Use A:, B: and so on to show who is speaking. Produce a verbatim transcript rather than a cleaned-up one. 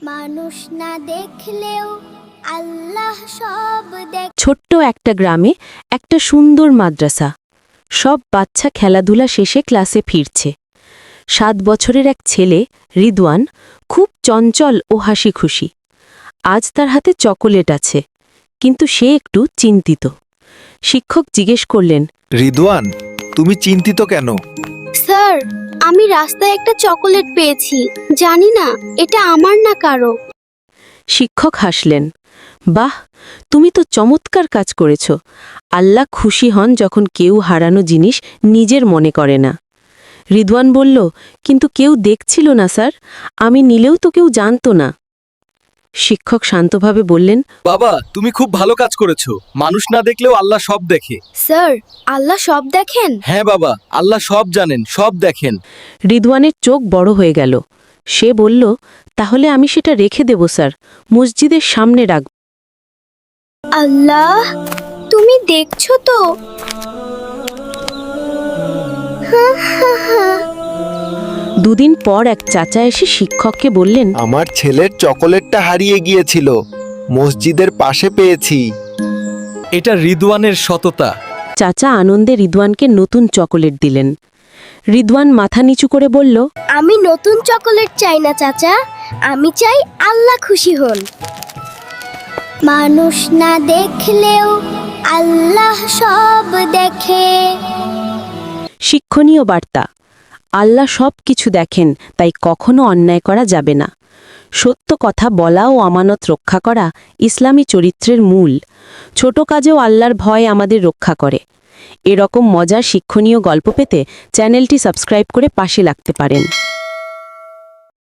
A: মানুষ না দেখলেও আল্লাহ সব দেখ।
B: ছোট্ট একটা গ্রামে একটা সুন্দর মাদ্রাসা। সব বাচ্চা খেলাধুলা শেষে ক্লাসে ফিরছে। সাত বছরের এক ছেলে রিদওয়ান খুব চঞ্চল ও হাসি খুশি। আজ তার হাতে চকোলেট আছে, কিন্তু সে একটু চিন্তিত। শিক্ষক জিজ্ঞেস করলেন,
C: রিদওয়ান, তুমি চিন্তিত কেন?
A: স্যার, আমি রাস্তায় একটা চকোলেট পেয়েছি, জানি না এটা আমার না কারো।
B: শিক্ষক হাসলেন, বাহ, তুমি তো চমৎকার কাজ করেছ। আল্লাহ খুশি হন যখন কেউ হারানো জিনিস নিজের মনে করে না। রিদওয়ান বলল, কিন্তু কেউ দেখছিল না স্যার, আমি নিলেও তো কেউ জানত না। শিক্ষক শান্তভাবে বললেন,
C: বাবা, তুমি খুব ভালো কাজ করেছো। মানুষ না দেখলেও আল্লাহ সব দেখে।
A: স্যার, আল্লাহ সব দেখেন?
C: হ্যাঁ বাবা, আল্লাহ সব জানেন, সব দেখেন।
B: রিদওয়ানের চোখ বড় হয়ে গেল। সে বলল, তাহলে আমি সেটা রেখে দেব স্যার, মসজিদের সামনে রাখব।
A: আল্লাহ, তুমি দেখছো তো?
B: দুদিন পর এক চাচা এসে শিক্ষককে বললেন,
D: আমার ছেলের চকোলেটটা হারিয়ে গিয়েছিল, মসজিদের পাশে পেয়েছি।
C: এটা রিদওয়ানের সততা।
B: চাচা আনন্দে রিদওয়ানকে নতুন চকোলেট দিলেন। রিদওয়ান মাথা নিচু করে বলল,
A: আমি নতুন চকোলেট চাই না চাচা, আমি চাই আল্লাহ খুশি হন। মানুষ না দেখলেও আল্লাহ সব দেখে।
B: শিক্ষণীয় বার্তা, আল্লাহ সব কিছু দেখেন, তাই কখনো অন্যায় করা যাবে না। সত্য কথা বলা ও আমানত রক্ষা করা ইসলামী চরিত্রের মূল। ছোট কাজেও আল্লাহর ভয় আমাদের রক্ষা করে। এরকম মজার শিক্ষণীয় গল্প পেতে চ্যানেলটি সাবস্ক্রাইব করে পাশে লাগতে পারেন।